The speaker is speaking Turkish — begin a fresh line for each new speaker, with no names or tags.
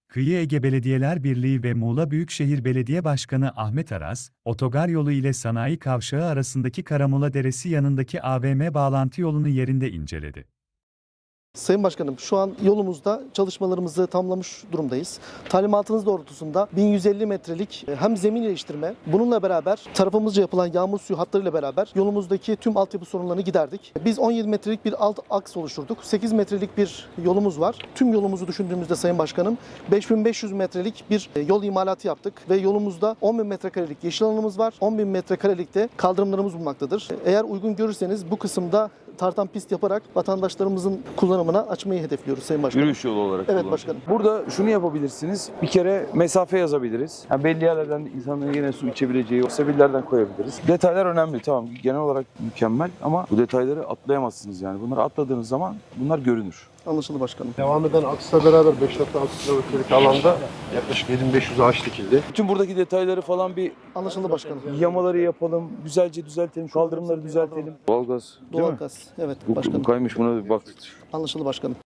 Kıyı Ege Belediyeler Birliği ve Muğla Büyükşehir Belediye Başkanı Ahmet Aras, otogar yolu ile sanayi kavşağı arasındaki Karamola Deresi yanındaki AVM bağlantı yolunu yerinde inceledi.
Sayın Başkanım, şu an yolumuzda çalışmalarımızı tamamlamış durumdayız. Talimatınız doğrultusunda 1150 metrelik hem zemin iyileştirme, bununla beraber tarafımızca yapılan yağmur suyu hatlarıyla beraber yolumuzdaki tüm altyapı sorunlarını giderdik. Biz 17 metrelik bir alt aks oluşturduk. 8 metrelik bir yolumuz var. Tüm yolumuzu düşündüğümüzde Sayın Başkanım 5500 metrelik bir yol imalatı yaptık ve yolumuzda 10.000 metrekarelik yeşil alanımız var. 10.000 metrekarelik de kaldırımlarımız bulunmaktadır. Eğer uygun görürseniz bu kısımda tartan pist yaparak vatandaşlarımızın kullanımına açmayı hedefliyoruz Sayın Başkanım.
Yürüyüş yolu olarak
Evet
kullanılıyor.
başkanım.
Burada şunu yapabilirsiniz. Bir kere mesafe yazabiliriz. Yani belli yerlerden insanların yine su içebileceği o sebillerden koyabiliriz. Detaylar önemli, tamam. Genel olarak mükemmel ama bu detayları atlayamazsınız yani. Bunları atladığınız zaman bunlar görünür.
Anlaşıldı başkanım.
Devam eden aksla beraber 5.6 kilometrelik alanda yaklaşık 7500 ağaç dikildi.
Bütün buradaki detayları falan bir
Anlaşıldı başkanım.
yamaları yapalım, güzelce düzeltelim, kaldırımları düzeltelim. Doğalgaz, değil mi?
Doğalgaz. Evet
Bu
başkanım.
kaymış, buna bir baktık.
Anlaşıldı başkanım.